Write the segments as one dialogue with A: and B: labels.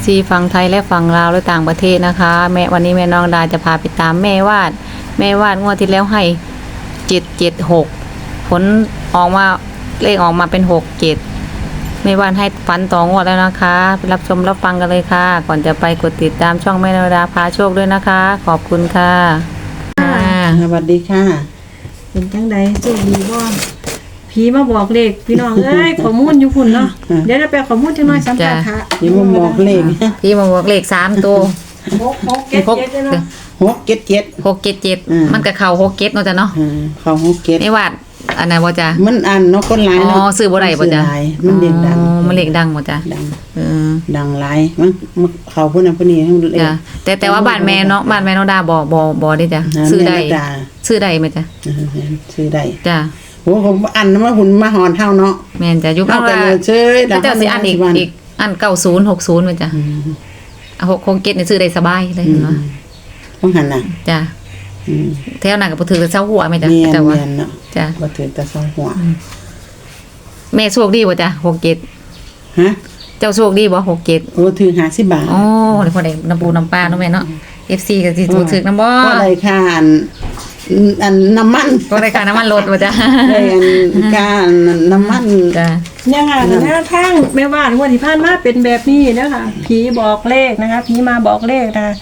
A: FC ฝั่งไทยและฝั่งลาวและต่างประเทศนะคะวันนี้แม่น้องดาจะพาไปตามแม่วาดงวดที่แล้วให้776ผลออกมาเลขออกมาเป็น67แม่วาดให้ฝันต่องวดแล้วนะคะไปรับชมรับฟังกันเลยค่ะก่อนจะไปกดติดตามช่องแม่น้องดาพาโชคด้วยนะคะขอบคุณค่ะ
B: สวัสดีค่ะ
C: เป็นจังใดโชคดีบ่ผีมาบอกเลขพี่น้องเอ้ยข้อมูลอยู่พุ่นเนาะเดี๋ยวเราไปข้อมูลจังหน่อยสัมภาษณ์ค่ะ
B: พี่มาบอกเลข
A: พี่มาบอกเลข3ตัว
C: 6 7 7เนาะ
A: 677มันก็เข้า67เนาะจ้ะเนาะ
B: เข้า67
A: ไม่วาดอันนั้นบ่จ้ะ
B: มันอันเนาะคนหลายเนาะ
A: ซื้อบ่ได้บ่จ้ะ
B: มันเด็กดัง
A: มันเลขดังบ่จ้ะ
B: ดังหลายมันเข้าพุ่นน่ะพุ่นนี้
A: จ้ะแต่ว่าบ้านแม่เนาะบ้านแม่น้องดาบ่ได้จ้ะซื้อได้มั้ยจ้ะ
B: ซื้อได้
A: จ้ะ
B: โหผมอันมาหุ่นมาหอนเท่าเนาะ
A: แม่นจ้ะอยู่ข้างล่าง
B: เฉย
A: ๆแต่สิอันอีกอัน90 60มั้ยจ้ะ667นี่ซื้อได้สบายเลยเนาะ
B: ต้องหันน่ะ
A: จ้ะแถวนั้นก็บ่ถือเซาหัวมั้ยจ้ะ
B: แต่ว่าจ้ะบ่ถือแต่เซาหัว
A: แม่โชคดีบ่จ้ะ67
B: ฮะ
A: เจ้าโชคดีบ่67
B: โอ้ถือ50 บาท
A: อ๋อได้พอได้น้ำปูน้ำปลาเนาะแม่เนาะ FC ก็สิถูกนำบ่
B: ก็ได้ค่าอันน้ำมัน
A: ก็ได้ค่าน้ำมันรถบ่จ้ะ
B: ได้ค่าน้ำมัน
A: จ้ะ
C: เนี่ยค่ะแนวทางแม่ว่างวดที่ผ่านมาเป็นแบบนี้นะคะผีบอกเลขนะคะผีมาบอกเลขนะคะ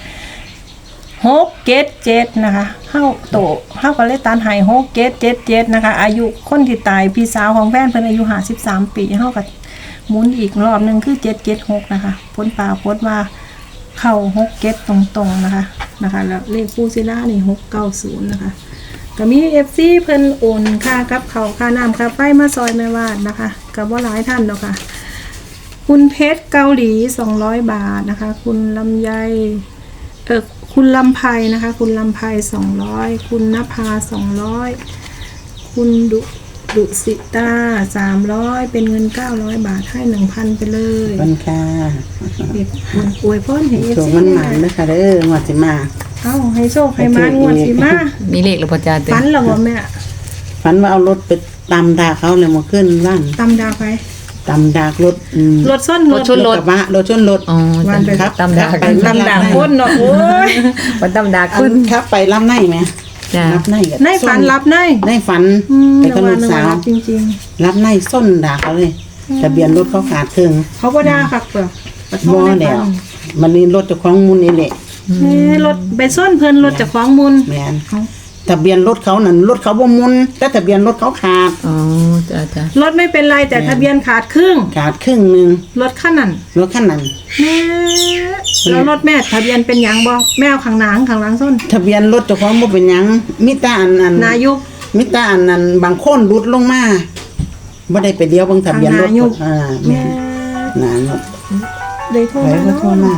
C: 677นะคะเฮาก็เลยตันให้6777นะคะอายุคนที่ตายพี่สาวของแฟนเพิ่นอายุ53ปีเฮาก็หมุนอีกรอบนึงคือ776นะคะผลว่าเข้า67ตรงๆนะคะแล้วเลขปูซิล่านี่690นะคะก็มี FC เพิ่นโอนค่ากับข้าวค่าน้ำค่าไฟมาซอยแม่วาดนะคะก็บ่หลายท่านดอกค่ะคุณเพชรเกาหลี200 บาทนะคะคุณลำไยคุณลำไพนะคะคุณลำไพ200คุณนภา200คุณดุสิตา300เป็นเงิน900 บาทให้ 1,000 ไปเลย
B: ขอบคุณค่ะ
C: อวยพรให้
B: โชคมันหมานนะคะเด้อหมดสิมา
C: ให้โชคให้มางวดสิมา
A: มีเลขหรือบ่จ้ะ
C: ฝันแล้วบ่แม่
B: ฝันว่าเอารถไปตำดาเขาเลยมาขึ้นบ้าน
C: ตำดาไป
B: ตำดากรถ
C: ส้น
B: รถชนรถ
A: อ๋อวันไป
B: ครับ
A: ตำดา
C: คนเนาะโอ้ย
A: วันตำดาขึ้น
B: ครับไปรับในไหมรับ
C: ในฝันรับใน
B: ฝันไปกับลูกสาว
C: จริง
B: ๆรับในส้นด่าเขาเลยทะเบียนรถเขาขาดครึ่ง
C: เขาก็ด่าคักเปล่า
B: บ่แล้วมันนี่รถเจ้าของมูลนี่แหละ
C: รถไปส้นเพิ่นรถเจ้าของมูล
B: แม่นทะเบียนรถเขานั่นรถเขาบ่มุนแต่ทะเบียนรถเขาขาด
A: อ๋อจ้ะ
C: รถไม่เป็นไรแต่ทะเบียนขาดครึ่ง
B: นึง
C: รถคันนั้นแม่แล้วรถแม่ทะเบียนเป็นหยังบ่แม่เอาข้างหลังส้น
B: ทะเบียนรถเจ้าของบ่เป็นหยังมีแต่อัน
C: นายุก
B: มิตาอันนั้นบางคนรุดลงมาบ่ได้ไปเดียวเบิ่งทะเบียนรถแม่นานรถ
C: ได้โทรมา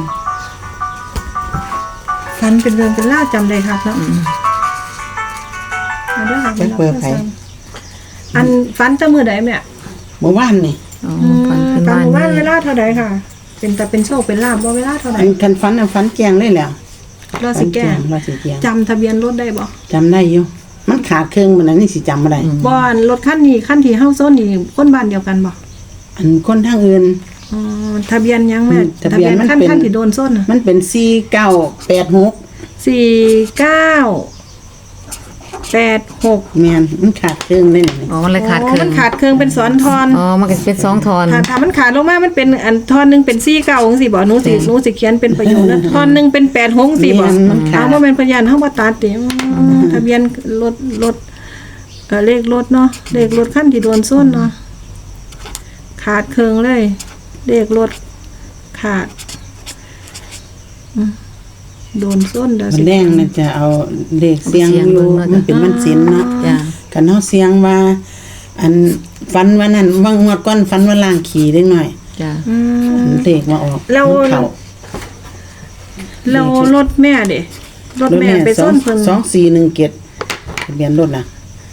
C: ฟันเป็นเรื่องเป็นล่าจำได้ครับเนาะ
B: ไปเปิดไผ
C: อันฟันจะมื้อใดแม่
B: เมื่อวานนี่
C: ฟันเวลาเท่าใดค่ะเป็นโชคเป็นลาภบ่เวลาเท่าใด
B: คันฟันแกงเลยแล้ว
C: เราสิแกงจำทะเบียนรถได้บ่
B: จำได้อยู่มันขาดเครื่องมันนี่สิจำบ่ได้
C: บ่อันรถคันนี้คันที่เฮาโซนนี่คนบ้านเดียวกันบ่
B: อันคนทางอื่น
C: ทะเบียนยังแม่
B: ทะเบียน
C: คันที่โดนโซน
B: มันเป็น4986แม่นมันขาดเครื่องได้นี่
A: มันเลยขาดเครื่อง
C: มันขาดเครื่องเป็น2 ทอน
A: มันก็เป็น2 ทอน
C: ถ้ามันขาดลงมามันเป็นอันทอนนึงเป็น49จังซี่บ่หนูสิเขียนเป็นประโยคนั้นทอนนึงเป็น86จังซี่บ่บ่แม่นพยานเฮาบ่ตัดติทะเบียนรถเลขรถเนาะเลขรถคันที่โดนโซนเนาะขาดเครื่องเลยเลขรถขาดโดนส้นเด้อ
B: สิแดงน่ะจะเอาเลขเสียงอยู่มันเป็นมันศีลเนาะคันเฮาเสียงว่าอันฝันว่านั้นว่างวดก่อนฝันว่าล้างขี้เล็กน้อย
A: จ้ะ
B: เลขมาออก
C: แล้วรถแม่เด้รถแม่ไปส้นเพิ่น
B: 2417ทะเบียนรถน่ะ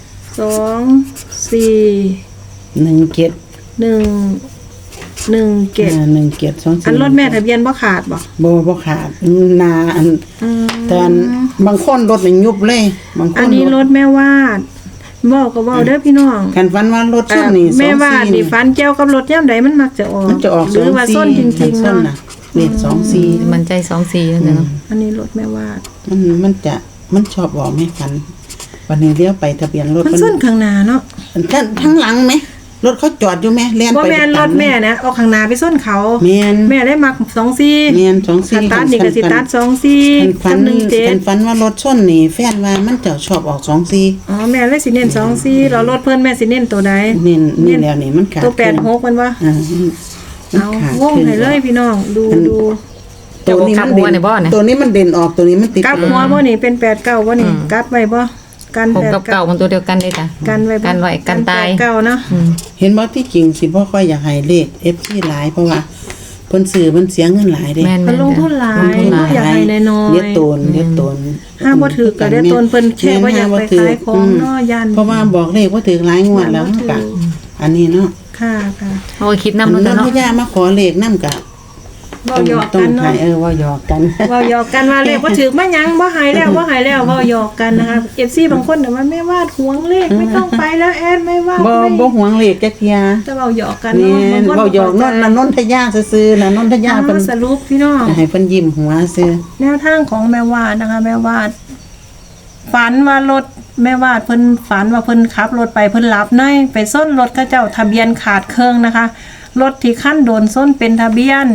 C: 2417อันรถแม่ทะเบียนบ่ขาด
B: บ่ขาดนาอันตอนบางคนรถนี่ยุบเลยบางคน
C: อันนี้รถแม่วาดบอกก็เว้าเด้อพี่น้อง
B: คันฝันว่ารถส้นนี่
C: แม่วาดนี่ฝันเกี่ยวกับรถยามใดมันมักจะออกหรือว่าส้นจริงๆเนาะ
B: เลข24
A: มันใจ24นั่นแหละเนาะ
C: อันนี้รถแม่วาด
B: มันชอบบอกให้ฝันวันนี้เลี้ยวไปทะเบียนรถ
C: มันส้นข้างหน้าเนาะ
B: ทั้งหลังไหมรถเขาจอดอยู่ไหมเลี้ยน
C: บ่
B: ไป
C: แม่นรถแม่นะเอาข้างหน้าไปส้นเขา
B: แม่น
C: แม่ได้มัก24
B: แม่น24
C: คันตัดนี่ก็สิตัด24
B: ฝั
C: กันบ17
B: ฝันว่ารถชนนี่แฟนว่ามันจะชอบออก24
C: อ๋อแม่เลยสิเน้น24แล้วรถเพิ่นแม่สิเน้นตัวใด
B: นี่แล้วนี่มันขาด
C: ตัว86มันว่า
B: มัน
C: เอา
B: ขาด
C: วงให้เลยพี่น้องดูดู
B: ตัวนี้มัน
A: กลับหัวในบ่เนี่ย
B: ตัวนี้มันเด่นออกตัวนี้มันติด
C: กลับหัวบ่นี่เป็น89บ่นี่กลับไว้บ่กัน
A: 6กับ9มันตัวเดียวกันเลยจ้ะ
C: กันไว้บ่
A: กันไว้กันตาย
C: 89เนาะ
B: เห็นบ่ที่จริงสิบ่ค่อยอยากให้เลข FC หลายเพราะว่าเพิ่นซื้อมันเสียเงินหลายเด้
A: แม่น
C: มันลงทุนหลาย
B: ลงทุนหลาย
C: อยากให้น้อยๆ
B: เดี๋ยวโตน
C: ห้ามบ่ถือก็ได้ตนเพิ่นแค่ว่าอยากไปขายของเนาะยัน
B: เพราะว่าบอกเลขว่าถือหลายงวดแล้ว
C: บ่ถือ
B: กะอันนี้เนาะ
C: ค่ะค่ะ
A: โอ้ยคิด
B: อั
A: นำ
B: น
A: เนาะ
B: นั้น
A: เนาะ
B: พญามาขอเลขนำกะ
C: เว้าหยอก
B: ต้อ
C: กั
B: ง
C: น
B: ถ่า
C: เนาะ
B: ยว่าหยอกกัน
C: เว้าหยอกกันว่าเลขบ่ถือมาหยังบ่หายแล้วบ่หายแล้วเว้าหยอกกันนะคะ FC บางคนน่ะว่าแม่วาดหวงเลขไม่ต้องไปแล้วแอดไม่วาด
B: บ่
C: ไม่
B: บ่หวงเลขจักเที่ย
C: แต่เว้าหยอกกัน
B: นี่
C: เนาะบางคน
B: เว้าหยอกนนนทยาซื่อๆน่ะนนทยาเพิ่น
C: สรุปพี่น้อง
B: ให้เพิ่นยิ้มหัวซื่อ
C: แนวทางของแม่วาดนะคะ แม่วาดฝันว่ารถแม่วาดเพิ่นฝันว่าเพิ่นขับรถไปเพิ่นหลับในไปส้นรถเขาเจ้าทะเบียนขาดเครื่องนะคะรถที่ขั้นโดนส้นเป็นทะเบียน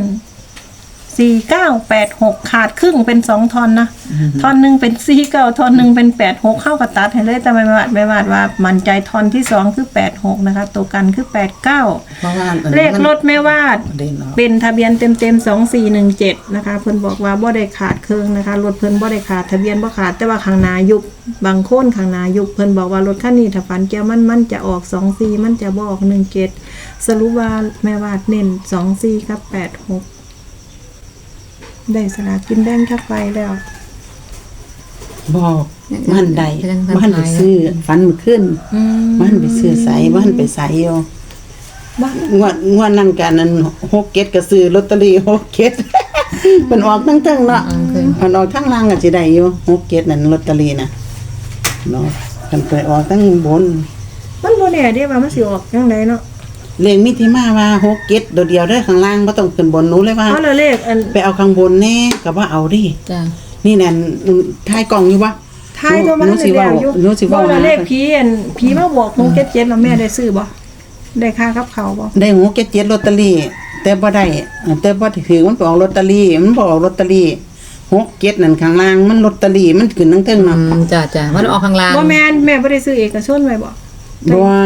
C: 4986 ขาดครึ่งเป็น2ท่อนนะท่อนหนึงเป็น49ท่อนหนึงเป็น86เข้ากับตัดให้เลยแต่ไม่วาดว่ามั่นใจท่อนที่2คือ86นะคะตัวกันคือ89
B: เพราะว่าอัน
C: เล
B: นี้
C: ข
B: มัน
C: รถแม่วาด
B: เด่นออก
C: เป็นทะเบียนเต็ม2417นะคะเพิ่นบอกว่าบ่ได้ขาดเครื่องนะคะรถเพิ่นบ่ได้ขาดทะเบียนบ่ขาดแต่ว่าข้างหน้ายุบบางโคนข้างหน้ายุบเพิ่นบอกว่ารถคันนี้ถ้าฝันแก้วมันจะออก24มันจะบ่ออก17สรุปว่าแม่วาดเน้น24กับ86ได้สลากกินแบ่งจักใบแล้ว
B: บอกมันใด
A: เรื่อง
B: มันไปซื้อฝันมื้อคืนมันไปซื้อใสมันไปใสอยู่
C: บ้าน
B: งวดนั้นกันนั้น6เก็ดก็ซื้อลอตเตอรี่6เก็ด เพิ่นออกทั้งเนาะมันออกทั้งล่างก็สิได้อยู่6เก็ดนั่นลอตเตอรี่น่ะเนาะกันไปออกทั้งบน
C: มันบ่แน่เด้ว่ามันสิออกจังไดเนาะ
B: เลขมีที่มาว่า6เก็ดโดดเดียวเด้อข้างล่างบ่ต้องขึ้นบนหนูเลยว่า
C: เอาละเลขอัน
B: ไปเอาข้างบนแน่ก็ว่าเอาดิ
A: จ้ะ
B: นี่แน่นถ่ายกล่องอยู่บ่
C: ท้ายตัวมัน
B: หนูสิ
C: ได้
B: เว้า
C: แล้วอยู่
B: หนูสิเว้า
C: บ่ละ
B: หา
C: เลขผีอันผีมาบอกหนูเก็ตแล้วแม่ได้ซื้อบ่ได้ค่ากับเขาวบ่
B: ได้6เก็ด7ลอตเตอรี่แต่บ่ได้แต่บ่ถือมันไปออกลอตเตอรี่มันบ่ออกลอตเตอรี่6เก็ดนั่นข้างล่างมันลอตเตอรี่มันขึ้นทั้งเทิงเนาะ
A: จ้ะจ้ะมันออกข้างล่าง
C: บ่แม่นแม่บ่ได้ซื้อเอกชนไว้บ่
B: บ่ว่า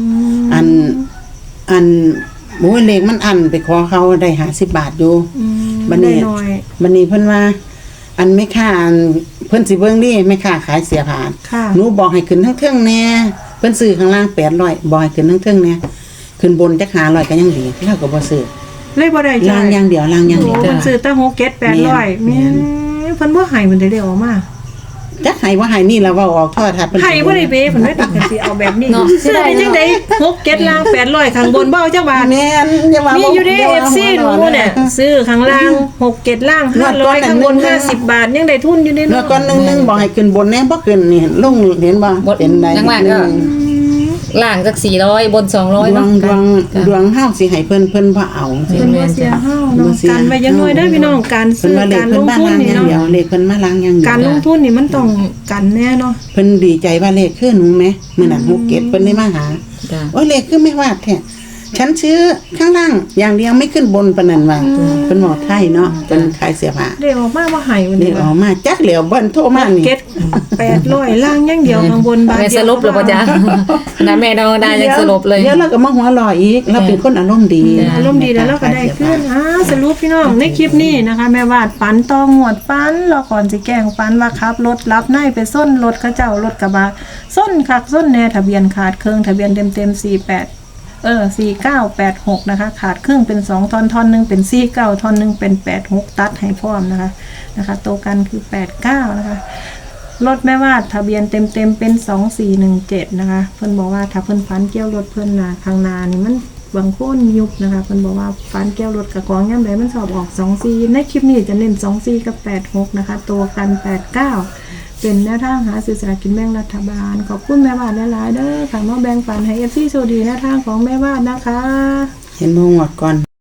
B: อันโอ้ยเลขมันอันไปขอเขาได้50บาทอยู่บัด
C: ได้
B: นี้
C: น้อย
B: บัดนี้เพิ่นว่า อันไม่ค่าอันเพิ่นสิเบิ่งดิไม่ค่าขายเสียผ่าน
C: ค่ะ
B: หนูบอกให้ขึ้นทั้งเทิงแน่เพิ่นซื้อข้างล่าง800บอกให้ขึ้นทั้งเทิงแน่ขึ้นบนจัก500ก็ยังดีเราก็บ่ซื้อ
C: เลยบ่ได้
B: ล่างอย่างเดียวล่างอย่าง
C: โอ้
B: เดียว
C: เพิ่นซื้อตั้ง6เก็ต800
B: แม่
C: แม่
B: น
C: เพิ่นบ่ให้มันได้ออกมา
B: จักให้บ่ให้นี่ล่ะเว้าออกโทรทัศน์เพิ่น
C: ให้บ่ได้เบ้เพิ่นได้ตัดกันสิเอาแบบนี้
A: เนาะ
C: ซื้อได้จังได๋6เก็ตล่าง800ข้างบนบ่เอาจักบาท
B: แม่นอย่าว่า
C: มี
B: มี
C: อยู่ใน FC หนูเนี่ยซื้อข้างล่าง6เก็ตล่าง500ข้างบน50บาทยังได้ทุนอยู่ใน
B: เมื่
C: เนาะ
B: อก่อนนึงบอกให้ขึ้นบนแน่บ่ขึ้นนี่ลงเห็นบ่เป็นได
A: ข้างล่างก็ล่างสัก400บน200
B: ดว
A: เนาะ
B: งดวงเฮาสิให้เพิ่นบ่เอาสิ
C: เพิ่นบ่เสียเฮาเนาะกันไว้อยังน้อยเด้อพี่น้องการ
B: เพิ่น
C: ซื้อ
B: ว่าเลข
C: การ
B: เพิ่
C: ล
B: น
C: ง
B: มา
C: ทุน
B: ล้าง
C: นี่
B: อย่างเดียว
C: เนาะ
B: เลขเพิ่นมาล้างอย่างเดียว
C: การลงทุนนี่มันต้องกันแน่เนาะ
B: เพิ่นดีใจว่าเลขคือหนูแหมมื้อนั้นฮูกเก็ตเพิ่นได้มาหา
A: จ้ะ
B: โอ้ยเลขคือไม่วาดแท้ฉันซื้อข้างล่างอย่างเดียวไม่ขึ้นบนปานนั้นว่าเพิ่นบอกไทยเนาะเพิ่นขายเสื้อผ้า
C: ได้ออกมาว่าให้วัน
B: เล
C: นี้
B: ขออกมาจักเหลียวเบิ่นโทรมานี่
C: เก็ต800ล่างอย่างเดียวข้างบนบาท
A: แม่สรุปแล้วป่ะจ๊ะนะแม่เราได้ยังสรุปเลย
B: เดี๋ยวเราก็มาหัวเร้ออีกเราเป็นคนอารมณ์ดี
C: อารมณ์ดีแล้วเราก็ได้ขึ้นสรุปพี่น้องในคลิปนี้นะคะ แม่วาดฝันตองหวดฝันเราก่อนสิแกล้งฝันว่าขับรถรับในไปส้นรถเขาเจ้ารถกระบะส้นคักส้นแน่ทะเบียนขาดเครื่องทะเบียนเต็ม4986นะคะขาดครึ่งเป็น2ท่อนท่อนนึงเป็น49ท่อนนึงเป็น86ตัดให้พร้อมนะคะตัวกันคือ89นะคะรถแม่วาดทะเบียนเต็มเป็น2417นะคะเพิ่นบอกว่าถ้าเพิ่นฝันเกี่ยวรถเพิ่นน่ะข้างหน้านี่มันบางโคนยุบนะคะเพิ่นบอกว่าฝันเกี่ยวรถกับกองยามใดมันสอบออก24ในคลิปนี้จะเน้น24กับ86นะคะตัวกัน89เป็นแนวทางหาซื้อสลากกินแบ่งรัฐบาลขอบคุณแม่วาดหลายๆเด้อค่ะมาแบ่งปันให้ FC โชคดีแนวทางของแม่วาดนะคะ
B: เห็นบ่งวดก่อน